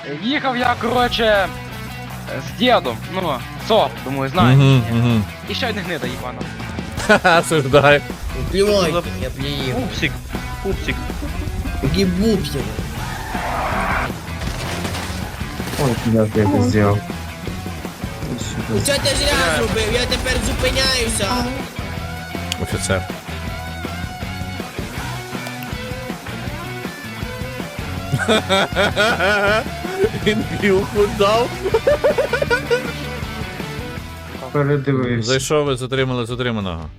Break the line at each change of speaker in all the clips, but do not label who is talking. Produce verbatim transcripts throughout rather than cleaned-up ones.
Їхав я, короче, з дідом, ну, СОП, думаю, знаєш.
Угу, угу.
І ще одне гнида, їбана.
Ха-ха, осуждаю.
Плевайте, я плюю.
Пупсик, пупсик.
Гибубсик.
Ой, куда ты это сделал?
Ну що ти зря зробив? Я тепер зупиняюся.
Офіцер. Він пілку дав.
Передивився.
Зайшов, ви затримали затриманого.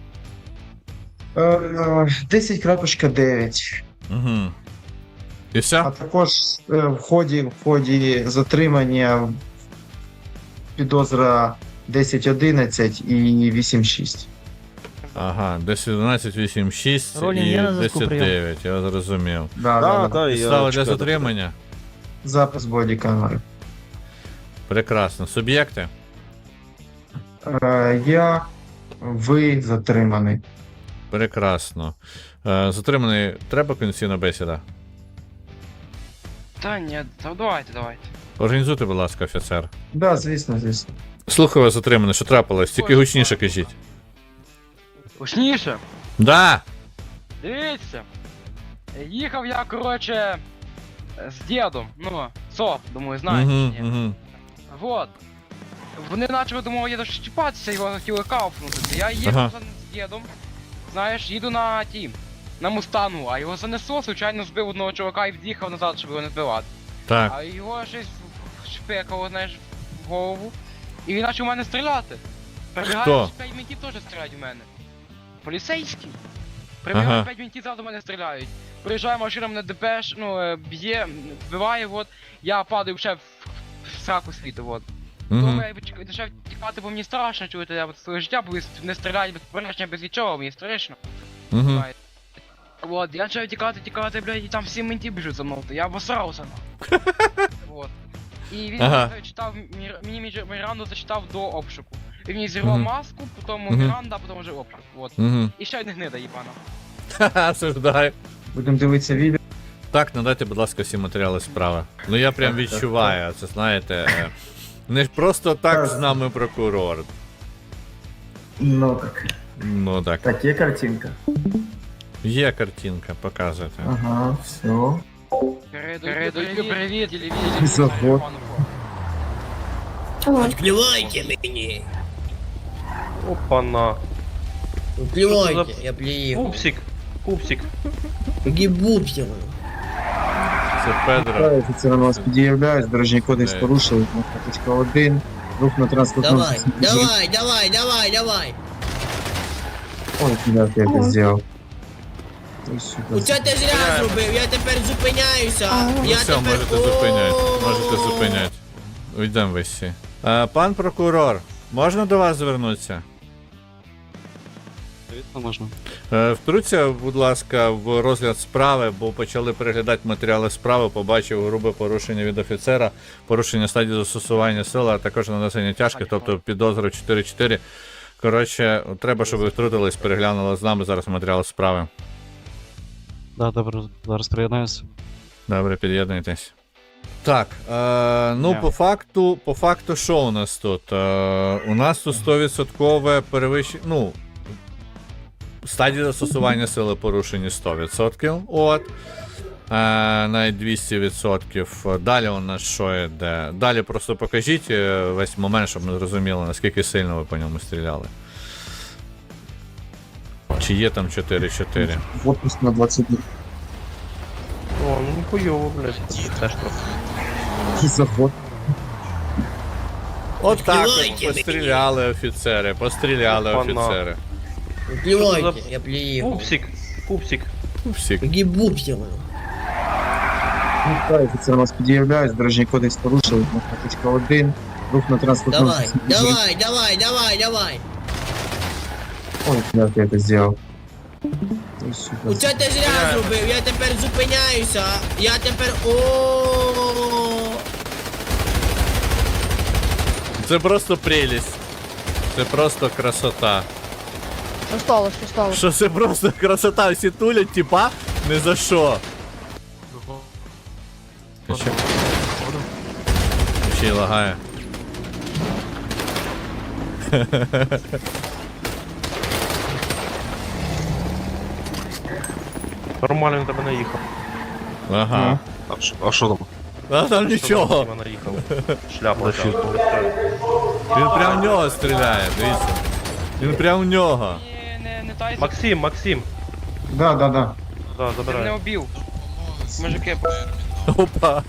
Е, десять крапочка дев'ять.
Угу. І
А
все?
також е, в ході, в ході затримання підозра десять одинадцять і вісім шість.
Ага, десять одинадцять, вісім шість
Ролін,
і
є на зв'язку,
десять
прийом.
дев'ять, я зрозумів.
Да, да,
Да,
да.
да, я
Підстава для
чекаю.
затримання?
Запис бодікамери.
Прекрасно. Суб'єкти?
Е, я, ви затриманий.
Прекрасно. Е, затриманий, треба конституційна бесіда?
Та ні, та давайте, давайте.
Організуйте, будь ласка, офіцер.
Да, звісно, звісно.
Слухаю вас, затриманий, що трапилось? Тільки гучніше кажіть.
Гучніше.
Да!
Дивіться. Їхав я, короче, з дідом, ну, СОП, думаю, знаєте.
Угу,
Угу,
угу.
Вот. Вони почали до мого діда щіпатися, його хотіли кауфнути. Я їхав
Ага.
з дідом, знаєш, їду на ті, на Мустангу, а його занесло, звичайно збив одного чувака і в'їхав назад, щоб його не збивати.
Так.
А його щось шпекало, знаєш, в голову. І він почав в мене стріляти. Прибігає,
Хто?
п'ять мінтів теж стріляють в мене. Поліцейські. Прибігає,
Ага.
п'ять мінтів зразу в мене стріляють. Приїжджає машина, мене депеш, ну, е, б'є, вбиває, от. Я падаю ще в, в сраку світу, от.
Угу.
Тому я почав тікати, бо мені страшно чути, я от своє життя, бо не стріляють без попередження, без нічого, мені страшно.
Угу.
Знаєте. Вот, я почав тікати, тікати, блядь, і там всі менті біжуть за мною, то я обосрався, ну. Вот. І він
Ага.
мені зачитав, Мір- мені Мір- Міранду зачитав до обшуку. Він мені зірвав
Мгм.
маску, потім
Мгм.
Міранда, а потім вже обшук, вот.
Угу.
І ще одне гнида, їбана.
Ха-ха, осуждаю.
Будемо дивитися відео.
Так, надайте, будь ласка, всі матеріали справи. Ну я прям відчуваю, це знаєте. е, Не ж просто так з нами прокурор.
Ну так.
Ну так.
Так, є картинка.
Є картинка, показуйте.
Ага, все.
Передаю привіт, телевізор.
Заход.
Плювайте мені.
Опа-на.
Плювайте, я плюю.
Пупсик, пупсик.
Гибубсик.
Це Педро.
Офіцер на вас під'являюсь, дорожній кодекс
Де?
порушили, кнопочка один, рух на транспортному
Давай,
засобі.
давай, давай, давай, давай.
Ой, куда ты это сделал? Ой, сука.
Ну що ти зря зробив? Я тепер зупиняюся.
Ну
Я
все,
тепер...
можете зупиняти. Можете зупиняти. Уйдемо ви всі. Е, пан прокурор, можна до вас звернутися?
Звісно, можна.
Е, Втруться, будь ласка, в розгляд справи, бо почали переглядати матеріали справи, побачив грубе порушення від офіцера, порушення стадії застосування сили, а також нанесення тяжких, тобто підозра чотири чотири. Коротше, треба, щоб ви втрутились, переглянули з нами зараз матеріали справи.
Да, добре, зараз приєднаюся.
Добре, під'єднуйтесь. Так, е, ну по факту, по факту, що у нас тут? Е, у нас тут сто відсотків перевищення, ну, стадії застосування сили порушені сто відсотків, от. Е, навіть двісті відсотків. Далі у нас що йде? Далі просто покажіть е, весь момент, щоб ми зрозуміли, наскільки сильно ви по ньому стріляли. Чи є там чотири чотири?
Отпуск на двадцять днів.
О, ну ніхуйово, блядь. Теж трохи.
Заход.
От так
Плювайте
от
мені.
постріляли офіцери, постріляли
Опа-на.
офіцери.
Плювайте, я плюю.
Пупсик, пупсик.
Всі.
Гибубсик.
Офіцер на вас під'являюсь, дорожній кодекс порушили, кнопочка один, рух на транспортному
Давай,
засобі.
давай, давай, давай, давай.
Ой, куда ты это сделал? Ой, сука.
Ну що ти зря зробив? Я тепер зупиняюся. Я тепер... О.
Це просто прелість. Це просто красота.
Що сталося, що сталося?
Що це просто красота, всі тулять, типа, не за що. А що? ще й лагає.
Нормально він тебе наїхав.
Ага.
А що- А що там?
А там нічого.
Він наїхав. Шляпа.
Нафіг.
Він прям в нього стріляє, дивіться. Він прям в нього.
Ні, не, не тайся.
Максим, Максим.
Да, да, да.
Да,
Ти мене
забирай.
обів. Мужики,
Опа.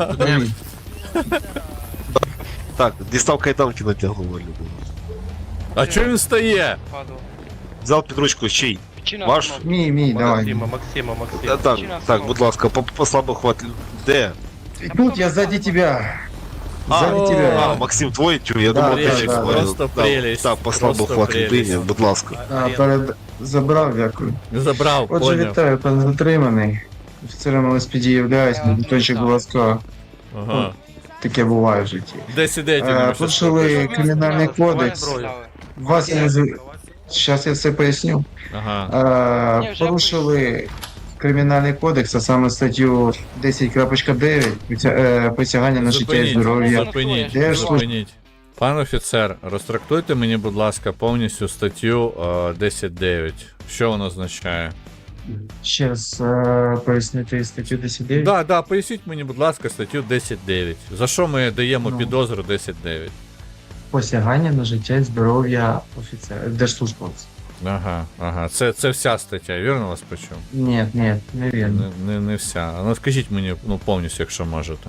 Так, дістав кайданки натягнув Валю.
А чого він стає?
падав.
Взяв під ручку чий?
Причина
Ваш?
автомобіля.
Мій, мій, давай.
Максима, Максима,
Та-
Максима.
Так,
Причина
так,
автомобіля.
будь ласка, по, по слабо хват. Де?
Тут я сзади тебя.
А,
Сзади
о,
А,
тебя.
Максим, твой тю, я
Да,
думав,
да,
ти
да,
Фелікс
да.
говорив.
Просто
Так,
прелість,
Так, по слабо
просто
хват
прелість.
людині, будь ласка.
А, перед... Забрав, дякую.
Забрав,
Отже,
поняв.
вітаю, пан затриманий. Офіцером ел ес пі ді являюсь,
Я
Дмитрончик, будь ласка.
Ага.
Таке буває в житті.
Де сидить?
Е, порушили кримінальний кодекс. Вас я не з... Щас я все поясню.
Ага.
Ні,
Е,
вже
порушили кримінальний кодекс, а саме статтю десять крапка дев'ять притя- е, присягання на життя і
Зупиніть,
здоров'я.
зупиніть,
Де ж
зупиніть. Пан офіцер, розтрактуйте мені, будь ласка, повністю статтю е, десять дев'ять. Що воно означає?
Ще раз е, пояснити статтю десять дев'ять.
Да, да, поясніть мені, будь ласка, статтю десять дев'ять. За що ми даємо
Ну.
підозру десять дев'ять?
Посягання на життя і здоров'я офіцера, держслужбовця.
Ага, ага. Це, це вся стаття, вірно вас почув?
Ні, ні, не вірно.
Не, не, не вся. А ну скажіть мені ну, повністю, якщо можете.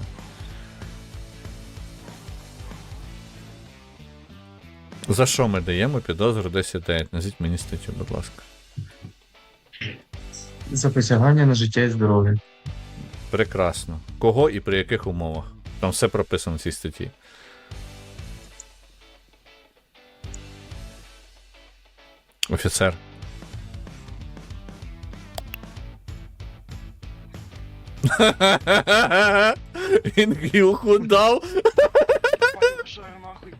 За що ми даємо підозру десять дев'ять? Назвіть мені статтю, будь ласка.
За посягання на життя і здоров'я.
Прекрасно. Кого і при яких умовах? Там все прописано в цій статті. Офіцер. Він гілку дав.
Що нахуй?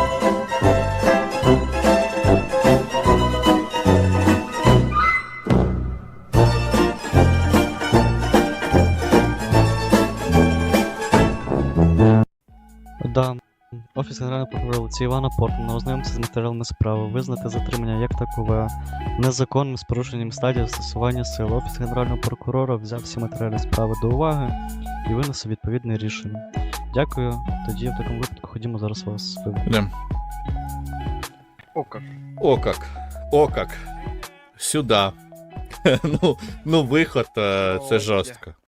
Да. Офіс Генерального прокурора Олексія Івана Портмана ознайомитися з матеріалами справи, визнати затримання як такове незаконним з порушенням стадії застосування сил. Офіс Генерального прокурора взяв всі матеріали справи до уваги і винесе відповідне рішення. Дякую. Тоді в такому випадку ходімо зараз вас виведемо.
Йдем.
О, как.
О как. О как. Сюда. ну, ну, виход, е, це
О,
жорстко.